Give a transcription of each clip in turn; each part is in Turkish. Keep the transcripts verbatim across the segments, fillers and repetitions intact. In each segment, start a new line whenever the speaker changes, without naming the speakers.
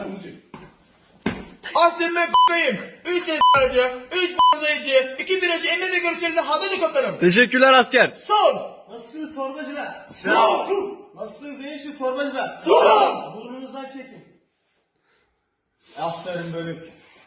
Aslında b***yim. üç aracı, üç b***yıcı, iki biracı emniyete görüşlerinde hazırdı komutanım.
Teşekkürler asker.
Sol.
Nasılsınız torbacılar?
Sol.
Nasılsınız enişte torbacılar?
Sol.
Burnunuzdan çekin. Aferin bölük.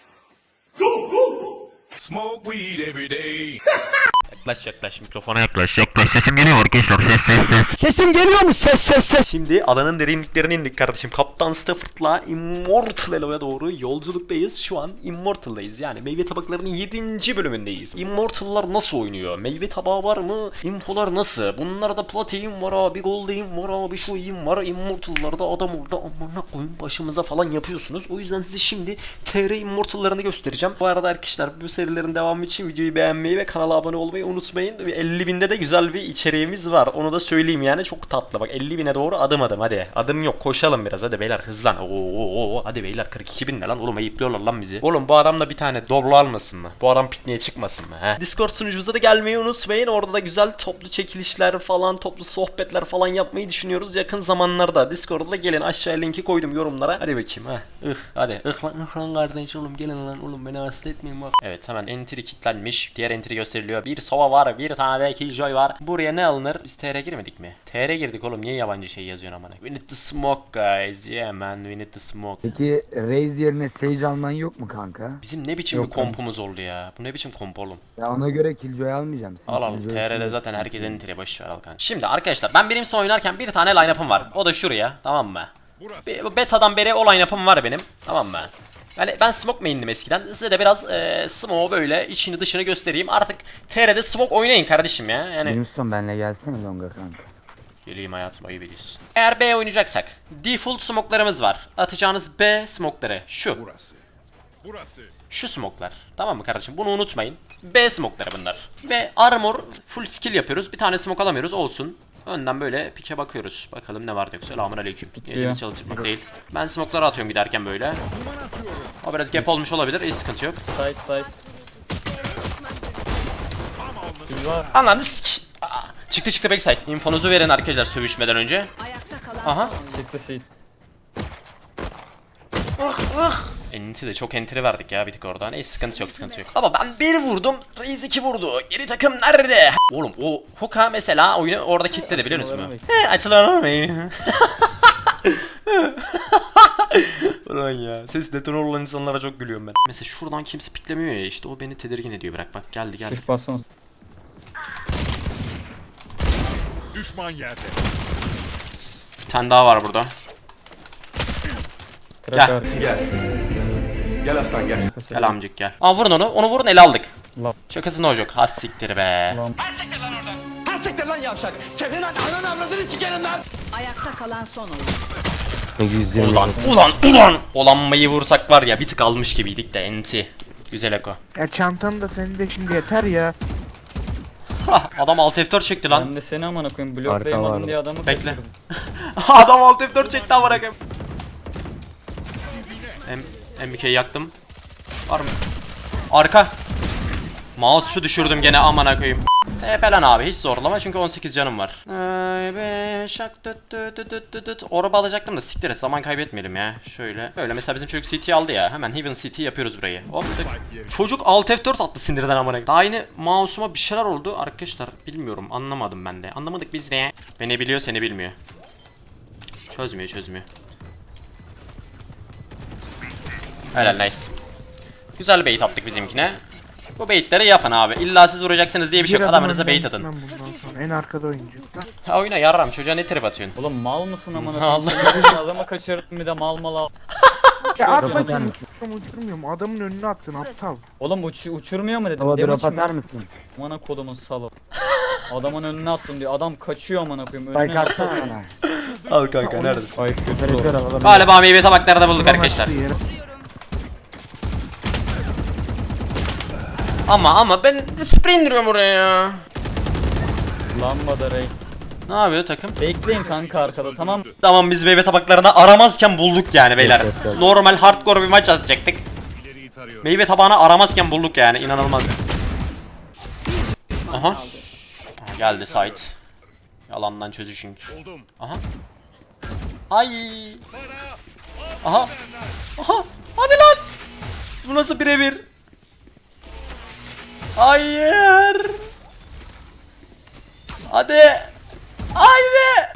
Smoke weed every day.
Yaklaş yaklaş mikrofona yaklaş yaklaş sesim geliyor arkadaşlar ses ses ses.
Sesim geliyor mu? Ses ses ses.
Şimdi adanın derinliklerine indik kardeşim. Kaptan Stafford'la Immortal Elo'ya doğru yolculuktayız. Şu an Immortal'dayız. Yani meyve tabaklarının yedinci bölümündeyiz. Immortal'lar nasıl oynuyor? Meyve tabağı var mı? Infolar nasıl? Bunlarda platin var abi, gold'im var abi, şu iyim var. Immortal'larda adam orada amına koyun başımıza falan yapıyorsunuz. O yüzden size şimdi T R Immortal'larını göstereceğim. Bu arada arkadaşlar bu serilerin devamı için videoyu beğenmeyi ve kanala abone olmayı unutmayın. elli binde de güzel bir içeriğimiz var. Onu da söyleyeyim yani çok tatlı. Bak elli bine doğru adım adım hadi. Adım yok koşalım biraz hadi beyler hızlan. Oo, oo, oo. Hadi beyler kırk iki bin ne lan oğlum ayıplıyorlar lan bizi. Oğlum bu adamla bir tane doblo almasın mı? Bu adam pikniğe çıkmasın mı? He? Discord sunucumuza da gelmeyi unutmayın. Orada da güzel toplu çekilişler falan toplu sohbetler falan yapmayı düşünüyoruz yakın zamanlarda. Discord'da da gelin aşağıya linki koydum yorumlara. Hadi bakayım ha. Ih hadi. Ih lan ih lan kardeş oğlum gelin lan oğlum beni hasta etmeyin bak. Evet hemen entry kilitlenmiş. Diğer entry gösteriliyor. Bir sova var. Bir tane de killjoy var. Buraya ne alınır? Biz T R girmedik mi? T R girdik oğlum. Niye yabancı şey yazıyorsun amına? We need to smoke guys. Yeah man we need to smoke.
Peki Raze yerine Sage alman yok mu kanka?
Bizim ne biçim
Yok
bir kompumuz oldu ya? Bu ne biçim komp oğlum?
Ya ona göre Killjoy almayacağım. Sen
Al al.
Killjoy
T R'de
istiyorsun.
zaten herkesin entry boş ver al kanka. Şimdi arkadaşlar ben benim son oynarken bir tane line-up'ım var. O da şuraya. Tamam mı? Be beta'dan beri o line-up'ım var benim. Tamam mı? Yani ben smoke main'dim eskiden. Size de biraz e, smoke böyle içini dışını göstereyim. Artık T R'de smoke oynayın kardeşim ya. Yani
Benim son benle gelsene Longa kanka.
geleyim hayatım ayıp ediyorsun. Eğer B oynayacaksak default smoke'larımız var. Atacağınız B smoke'ları şu.
Burası. Burası.
Şu smoke'lar. Tamam mı kardeşim? Bunu unutmayın. B smoke'ları bunlar. Ve armor full skill yapıyoruz. Bir tane smoke alamıyoruz olsun. Önden böyle pike bakıyoruz. Bakalım ne var diyor. Selamun aleyküm. Niyetimiz çalıştırmak değil. Ben smoke'ları atıyorum giderken böyle. O biraz gap olmuş olabilir. Hiç sıkıntı yok.
Side side.
Anladın sik. Aa, Çıktı çıktı backside. Infonuzu verin arkadaşlar sövüşmeden önce. Aha.
Çıktı seat.
Enti de çok entry verdik ya bir tık oradan. Neyse sıkıntı yok sıkıntı yok. Ama ben bir vurdum. Reis iki vurdu. Geri takım nerede? Oğlum o Hook'a mesela oyunu orada kilitledi biliyor musun? He açılamayın. Ulan ya ses detone olan insanlara çok gülüyorum ben. Mesela şuradan kimse piklemiyor ya işte o beni tedirgin ediyor bırak bak geldi geldi.
Shift basın.
Düşman yerde.
Bir tane daha var burada. Gel.
Gel. Gel aslan gel.
Gel amcık gel. Aa vurun onu onu vurun ele aldık.
Lan.
Şakasını hocuk. Has siktir be.
Lan.
Ayakta kalan son oyun.
yüz yirmi.
Ulan ulan ulan. Olanmayı vursak var ya bir tık almış gibiydik de enti. Güzel eko.
Ya çantanı da senin de şimdi yeter ya.
Adam alt F dört çekti lan.
Ben de seni amına koyayım
Arka
bloklayamadım
vardı.
diye adamı
Bekle.
kaçırdım.
Adam alt F dört çekti amına koyayım. M M iki yaktım. Var mı? Arka. Mouse'u düşürdüm gene amına koyayım. E falan abi hiç zorlama çünkü on sekiz canım var. Ay be şak düt düt düt düt düt düt. Orba alacaktım da siktir et zaman kaybetmeyelim ya. Şöyle. Böyle mesela bizim çocuk C T aldı ya. Hemen Heaven C T yapıyoruz burayı. Hop tık. Çocuk alt F dört attı sinirden amına koyayım. Daha yeni mouse'uma bir şeyler oldu arkadaşlar. Bilmiyorum anlamadım ben de. Anlamadık biz de. Beni biliyor seni bilmiyor. Çözmüyor çözmüyor. Helal nice. Güzel bait attık bizimkine. Bu baitleri yapın abi. İlla siz vuracaksınız diye bir şey yok. Adamınıza bait atın.
Ben bundan sonra en arkada oyuncu.
Ha oyuna yarram çocuğa ne trip atıyorsun?
Oğlum mal mısın amına
Allah.
koyayım? Sen adamı kaçırdım bir de mal mal al.
Ya at
Drop
bakayım
atar
uçurum uçurmuyorum. Adamın önüne attın aptal.
Oğlum uç uçurmuyor mu dedim.
Hava
Demin
drop
için
atar
mi?
mısın?
Amına kodumun salı. Adamın önüne attım diyor. Adam kaçıyor amına koyayım. Önüne
Spike atsana bana.
Al kanka neredesin?
Ay
Operatör
kötü.
alalım.
Galiba meyve tabaklarda bulduk arkadaşlar.
Yere.
Ama ama ben sprey indiriyorum oraya ya.
Lambada Ray.
Ne yapıyor takım?
Bekleyin kanka arkada tamam.
Tamam biz meyve tabaklarını aramazken bulduk yani beyler.
Evet, evet.
Normal hardcore bir maç atacaktık.
İleriyi tarıyorum.
Meyve tabağını aramazken bulduk yani inanılmaz. Aha. Aha, geldi site. Yalandan çözüşünk.
Buldum.
Aha. Ay. Aha. nasıl birebir? Hayır. Hadi. Haydi.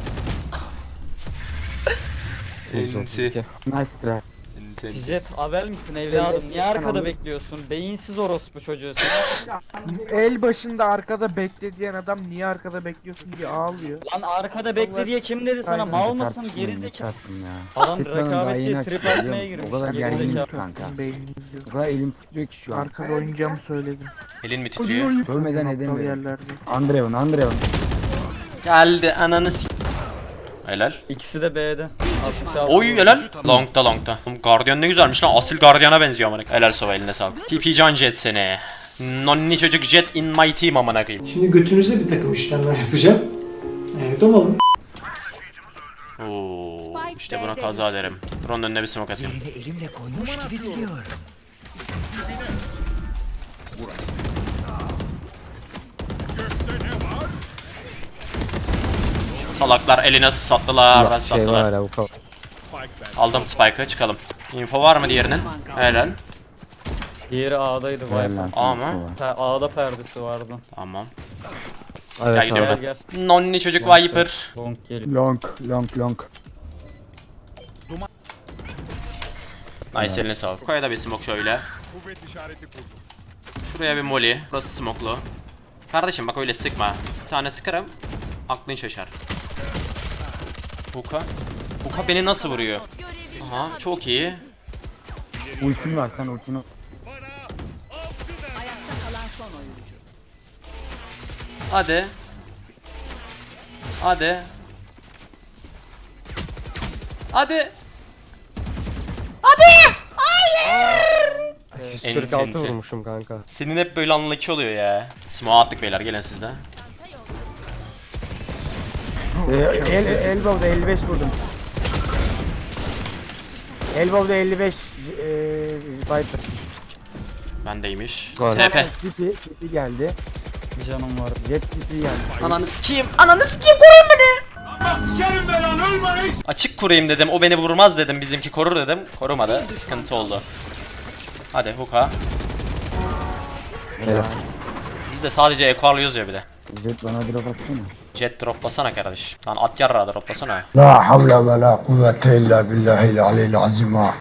Enti.
Nice try.
Jet haber misin evladım? Niye arkada bekliyorsun? Beyinsiz orospu çocuğu sen.
El başında arkada bekle diyen adam niye arkada bekliyorsun diye ağlıyor.
Lan arkada bekle diye kim dedi sana?
Aynen.
Mal mısın?
Tartışmayın,
Gerizekalı.
tartışmayın ya.
Adam
Tıklanın daha yeni
rekabetçi trip
açıldı,
atmaya
biliyor musun?
girmiş.
O kadar gerginim
Gerizekalı.
ki kanka.
Beyniniz yok.
O kadar elim titriyor ki şu an.
Arkada oynayacağımı söyledim.
Elin mi titriyor?
Görmeden
Aptal
edemiyorum.
yerlerde.
Andreev'in, Andreev'in.
Geldi ananı s- Helal.
İkisi de B'de. altmış altı.
Oy helal. Long'da long'da. Oğlum Guardian ne güzelmiş lan. Asil Guardian'a benziyor amına. Helal Sova, eline sağlık. T P Can Jet seni. Nonni çocuk Jet in my team amına koyayım.
Şimdi götünüze bir takım işlemler yapacağım. Evet, domalım.
Oo,
Spike
işte buna
B'de
kaza
düştü.
derim. Ron'un önüne bir smoke atayım.
Burası. Gökte ne var?
Salaklar eline sattılar. Ben sattılar.
Spike ben.
Aldım Spike'ı, çıkalım. Info var mı diğerinin? Helal.
Diğeri A'daydı
Helal
Viper.
lan sana,
Ama-
Sova.
Pe- A'da perdesi vardı.
Tamam.
Evet,
Gel
Gel
gidiyorum.
gel.
Nonni çocuk Viper.
Long gel.
Long, long, long.
Nice, eline sağlık. Koya da bir smoke şöyle.
Kuvvet işareti kurdum.
Şuraya bir molly. Burası smoklu. Kardeşim bak öyle sıkma. Bir tane sıkarım. Aklın şaşar. Huka. Huka beni nasıl vuruyor? Aha, çok iyi.
Ultin var, sen ultini...
Ayakta kalan son oyuncu.
Hadi. Hadi. Hadi. yüz kırk altı vurmuşum kanka. Senin hep böyle unlucky oluyor ya. Smoke attık beyler, gelin siz de.
Ee, el, elbow'da elli beş vurdum. Elbow'da elli beş eee Viper.
Bendeymiş. T P.
Tipi, tipi geldi.
Bir canım var.
Jet tipi geldi.
Ananı sikeyim. Ananı sikeyim, koruyun beni. Açık kurayım dedim. O beni vurmaz dedim. Bizimki korur dedim. Korumadı. Sıkıntı oldu. Hadi Huka.
Evet.
Biz de sadece equalıyoruz ya bir de.
Jet bana drop atsana.
Jet droplasana kardeş. Lan at yarra droplasana.
لا حول ولا قوة إلا بالله العلي العظيم.
Hacim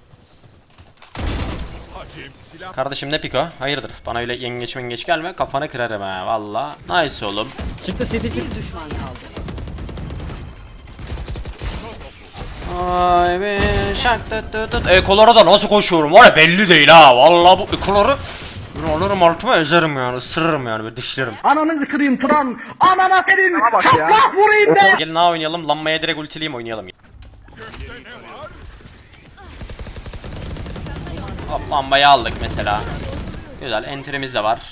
silah.
Kardeşim ne piko? Hayırdır? Bana öyle yengeç mengeç gelme. Kafanı kırarım ha. Valla. Nice oğlum.
Çıktı City çıktı.
Bir düşman kaldı.
Ay be şak tut tut tut. Ekolara da nasıl koşuyorum var ya, belli değil ha. Vallahi bu ekoları bunu alırım altıma ezerim yani, ısırırım yani, böyle dişlerim.
Ananı kırayım Turan. Anana senin. Şaplak vurayım be.
Gelin ha oynayalım. Lanmaya direkt ultileyim, oynayalım.
Gökte ne var?
Hop, lambayı aldık mesela. Güzel, enterimiz de var.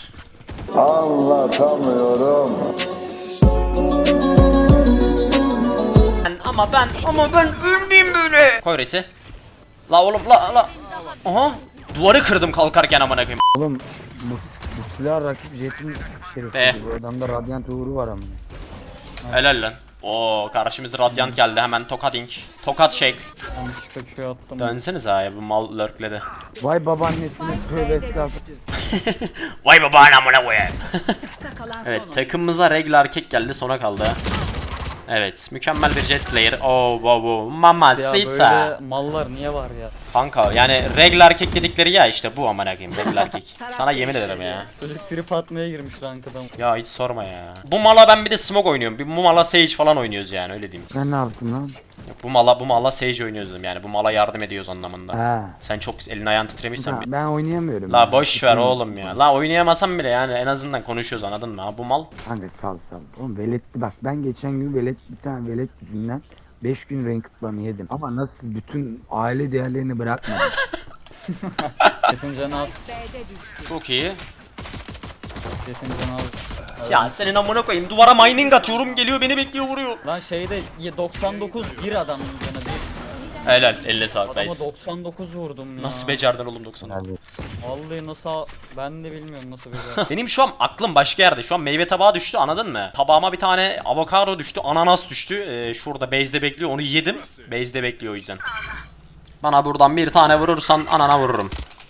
Ben, ama ben ama ben ölmeyeyim böyle. Koy reisi. La oğlum la la. Aha. Duvarı kırdım kalkarken amına koyayım.
Oğlum bu, bu silah rakip Jet'in şerifi.
Be.
Bu adamda Radiant uğru var ama.
Helal lan. Oo, karşımıza Radiant geldi, hemen tokat ink. Tokat shake.
Yanlış kaçıyor attım.
Dönsenize ha, bu mal lurkledi.
Vay babaannesine tövbe estağfurullah.
Vay baba amına koyayım.
Ayakta kalan son
Evet,
oyuncu.
takımımıza regl erkek geldi, sona kaldı. Evet, mükemmel bir jet player. Oh wow wow. Mama
Ya
sita.
böyle mallar niye var ya?
Kanka yani regl erkek dedikleri ya işte bu amına koyayım, regl erkek. Sana yemin ederim ya.
Çocuk trip atmaya girmiş rankadan.
Ya hiç sorma ya. Bu mala ben bir de smoke oynuyorum. Bir bu mala sage falan oynuyoruz yani, öyle diyeyim.
Sen ne yaptın lan?
Yok, bu mala bu mala sage oynuyoruz dedim yani. Bu mala yardım ediyoruz anlamında.
Ha.
Sen çok elin ayağın titremişsen
Ha,
bir...
ben oynayamıyorum.
La
ya.
boş ver oğlum ya. La oynayamasam bile yani en azından konuşuyoruz, anladın mı? Ha, bu mal.
Kanka sal sal. Oğlum veletli bak, ben geçen gün velet bir tane velet yüzünden beş gün ranked banı yedim. Ama nasıl bütün aile değerlerini bırakmadım.
Kesin canı az.
B'de düştü.
Çok iyi.
Kesin canı az.
Ya senin amına koyayım, duvara mining atıyorum, geliyor beni bekliyor, vuruyor.
Lan şeyde doksan dokuz bir adamın canı bir.
Helal, elle sağlık
Adama
reis.
doksan dokuz vurdum ya.
Nasıl becerdin oğlum doksan?
Vallahi nasıl ben de bilmiyorum nasıl becerdim.
Benim şu an aklım başka yerde. Şu an meyve tabağı düştü, anladın mı? Tabağıma bir tane avokado düştü, ananas düştü. Ee, şurada base'de bekliyor, onu yedim. Base'de bekliyor o yüzden. Bana buradan bir tane vurursan anana vururum.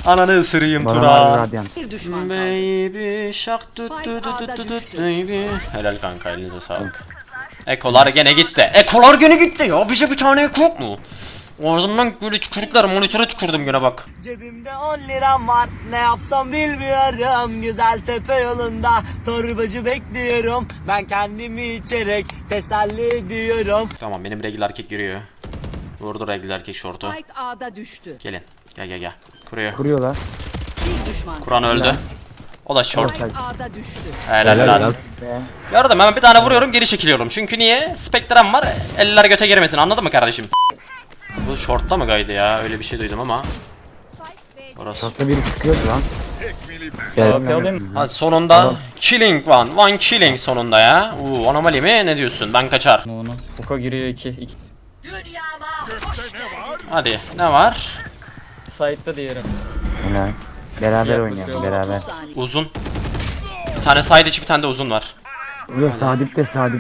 Ananı ısırayım
Bana
Tura.
var radyant.
Bir düşman kaldı.
Baby shark tut tut tut tut tut tut
düştü.
baby. Helal kanka, elinize sağlık. Ekolar gene gitti. Ekolar gene gitti ya. Bize bir tane eko yok mu? Ağzımdan böyle tükürükler, monitöre tükürdüm gene bak.
Cebimde on liram var, ne yapsam bilmiyorum. Güzel tepe yolunda torbacı bekliyorum. Ben kendimi içerek teselli ediyorum.
Tamam, benim regl erkek yürüyor. Vurdu regl erkek şortu.
Spike A'da düştü.
Gelin. Gel gel gel. Kuruyor.
Kuruyorlar.
Bir düşman
Kur'an öldü. O da short.
Spike A'da düştü.
Helal lan.
Be.
Gördüm, hemen bir tane vuruyorum, geri çekiliyorum. Çünkü niye? Spektrum var. Eller göte girmesin. Anladın mı kardeşim? Bu shortta mı gaydı ya? Öyle bir şey duydum ama. Orası.
Şortta biri sıkıyordu lan.
Tekmeli ben.
Gel.
Alayım.
Hadi sonunda killing one. One killing sonunda ya. Uuu, anomali mi? Ne diyorsun? Ben kaçar.
Onu. Oka giriyor iki. iki.
Gökte ne var?
Hadi. Ne var?
Side'da diğeri.
Helal. Beraber
Yaklaşıyor.
oynayalım beraber.
Saniye.
Uzun. Bir tane side içi, bir tane de uzun var.
Yok Sadip de Sadip.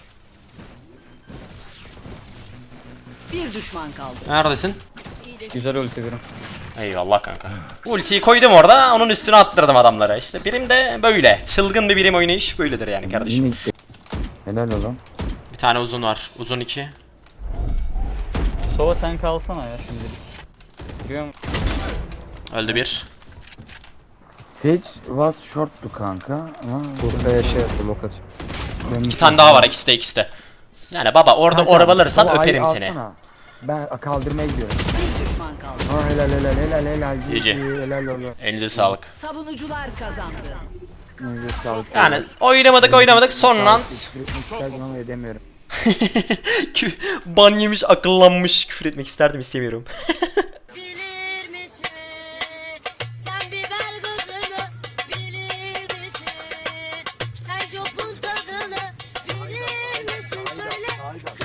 Bir düşman kaldı.
Neredesin?
Güzel ulti birim.
Eyvallah kanka. Ultiyi koydum orada, onun üstüne attırdım adamlara. İşte birim de böyle. Çılgın bir birim oynayış böyledir yani kardeşim.
Yine gitti. Helal oğlum.
Bir tane uzun var. Uzun iki.
Sova sen kalsana ya şimdi. Giriyor mu?
Öldü bir.
Sage was short'tu kanka ama
Buraya şey yaptım o kaç.
İki tane daha var, ikisi de ikisi de. Yani baba orada
Kanka,
orb alırsan
o ayı
öperim seni.
alsana. Ben kaldırmaya gidiyorum.
Bir düşman kaldı.
Aa helal helal helal helal.
Gece.
Helal oğlum.
Elinize sağlık.
Savunucular kazandı.
Elinize sağlık.
Yani oynamadık oynamadık son round.
Küfür etmek isterdim ama edemiyorum.
Kü- Ban yemiş, akıllanmış. Küfür etmek isterdim, istemiyorum.
Bilir misin? Sen biber gazını bilir misin? Sen jopun tadını bilir misin? Söyle.